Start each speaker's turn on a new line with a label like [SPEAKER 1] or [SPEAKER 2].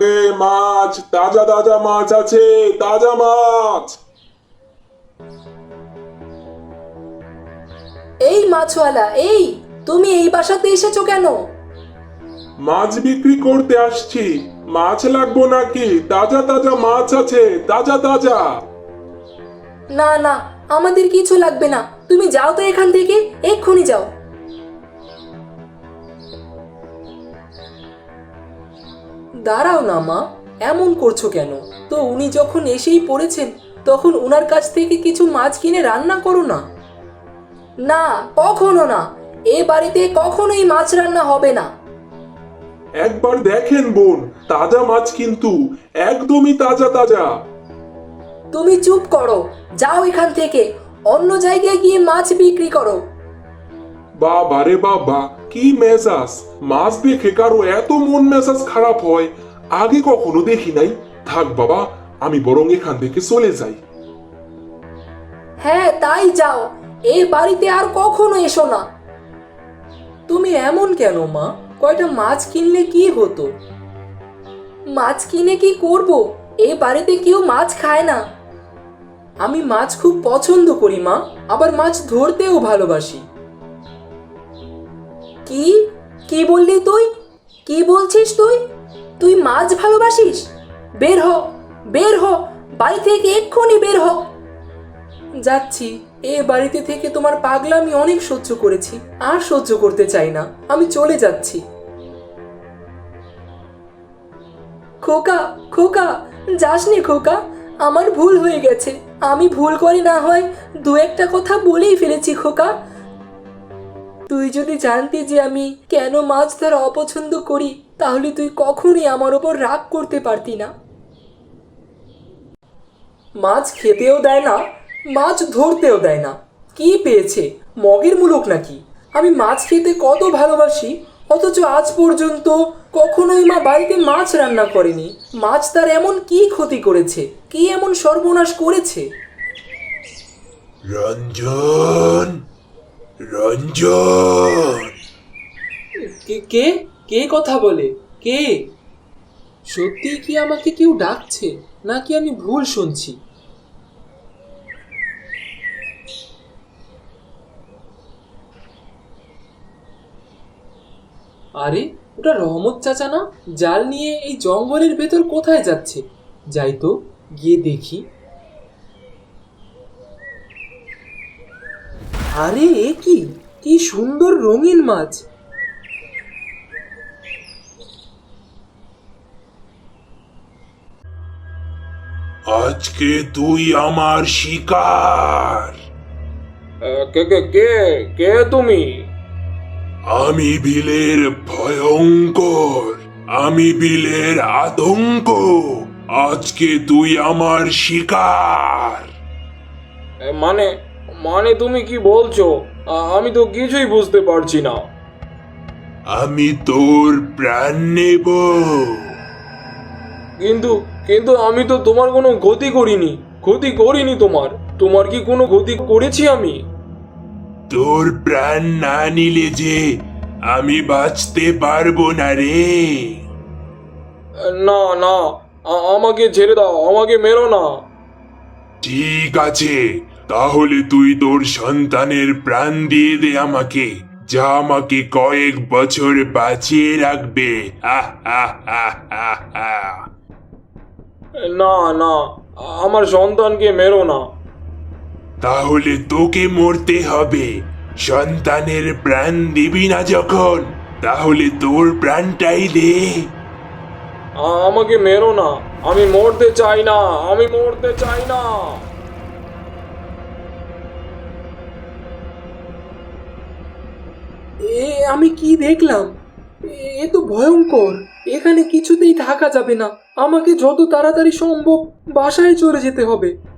[SPEAKER 1] আগে মাছ, তাজা তাজা মাছ আছে, তাজা মাছ।
[SPEAKER 2] এই মাছওয়ালা, এই তুমি এই বাসাতে এসেছো কেন?
[SPEAKER 1] মাছ বিক্রি করতে আসছি। মাছ লাগবো নাকি? তাজা তাজা মাছ আছে, তাজা তাজা।
[SPEAKER 2] না না, আমাদের কিছু লাগবে না, তুমি যাও তো এখান থেকে, এক্ষুনি যাও। দাঁড়াও না মা, এমন করছো কেন? তো উনি যখন এসেই পড়েছেন, তখন ওনার কাছ থেকে কিছু মাছ কিনে রান্না করো না। না, কখনো না, এ বাড়িতে কখনোই মাছ রান্না হবে না।
[SPEAKER 1] একবার দেখেন বোন, তাজা মাছ কিন্তু, একদমই তাজা তাজা।
[SPEAKER 2] তুমি চুপ করো, যাও এখান থেকে, অন্য জায়গায় গিয়ে মাছ বিক্রি করো।
[SPEAKER 1] বাবা রে বাবা, কি মেজাজ! মাছ দেখে কারো এত মন মেজাজ খারাপ হয় আগে কখনো দেখি নাই। থাক বাবা, আমি বরং এখান থেকে চলে যাই।
[SPEAKER 2] হ্যাঁ তাই যাও, এ বাড়িতে আর কখনো এসো না। তুমি এমন কেন মা? কয়টা মাছ কিনলে কি হতো? মাছ কিনে কি করব? এ বাড়িতে কেউ মাছ খায় না। আমি মাছ খুব পছন্দ করি মা, আবার মাছ ধরতেও ভালোবাসি। কি কি বললি তুই? কি বলছিস তুই? তুই মাছ ভালোবাসিস? বের হ, বের হ, বাড়ি থেকে এক্ষুনি বের হ। যাচ্ছি, এ বাড়িতে থেকে তোমার পাগলামি অনেক সহ্য করেছি, আর সহ্য করতে চাই না, আমি চলে যাচ্ছি। খোকা, খোকা, যাসনি খোকা, আমার ভুল হয়ে গেছে, আমি ভুল করে না হয় দু একটা কথা বলেই ফেলেছি খোকা। তুই যদি জানতি যে আমি কেন মাছ ধরা অপছন্দ করি, তাহলে তুই কখনোই আমার ওপর রাগ করতে পারতি না। মাছ খেতেও দেয় না, মাছ ধরতেও দেয় না। কি পেয়েছে, মগের মুলুক নাকি? আমি মাছ খেতে কত ভালোবাসি, অথচ আজ পর্যন্ত কখনোই মা বাড়িতে মাছ রান্না করেনি। মাছ তার এমন কি ক্ষতি করেছে, কি এমন সর্বনাশ করেছে?
[SPEAKER 1] রঞ্জন, রঞ্জন।
[SPEAKER 2] কে কে কে কথা বলে? কে? সত্যি কি আমাকে কেউ ডাকছে, নাকি আমি ভুল শুনছি? আরে, ওটা রহমত চাচা না? জাল নিয়ে এই জঙ্গলের ভেতর কোথায় যাচ্ছে? যাই তো, গিয়ে দেখি। আরে এ কি, কি সুন্দর রঙিন মাছ!
[SPEAKER 1] আজকে তুই আমার শিকার।
[SPEAKER 3] কে কে কে কে তুমি?
[SPEAKER 1] আমি বিলের ভয়ঙ্কর, আমি বিলের আতঙ্ক। আজকে তুই আমার শিকার।
[SPEAKER 3] মানে মানে তুমি কি বলছো? আমি তো কিছুই বুঝতে পারছি না।
[SPEAKER 1] আমি তোর প্রাণ নেব।
[SPEAKER 3] কিন্তু কিন্তু আমি তো তোমার কোনো ক্ষতি করিনি। ক্ষতি করিনি তোমার। তোমার কি কোনো ক্ষতি করেছি আমি?
[SPEAKER 1] তোর প্রাণ না নিলে যে আমি বাঁচতে পারবো না রে।
[SPEAKER 3] না না, আমাকে ছেড়ে দাও, আমাকে মেরো না।
[SPEAKER 1] ঠিক আছে, তাহলে তুই তোর সন্তানের প্রাণ দিয়ে দে আমাকে, যা আমাকে কয়েক বছর বাঁচিয়ে রাখবে। আহ আহ আহ আহ আহ।
[SPEAKER 3] না না, আমার সন্তানকে মেরো না।
[SPEAKER 1] তাহলে তোকে মরতে হবে। সন্তানের প্রাণ দিবি না যখন, তাহলে তোর প্রাণটাই দে।
[SPEAKER 3] আমাকে মেরো না, আমি মরতে চাই না, আমি মরতে চাই না।
[SPEAKER 2] এ আমি কি দেখলাম? এ তো ভয়ঙ্কর, এখানে কিছুতেই থাকা যাবে না, আমাকে যত তাড়াতাড়ি সম্ভব বাসায় চলে যেতে হবে।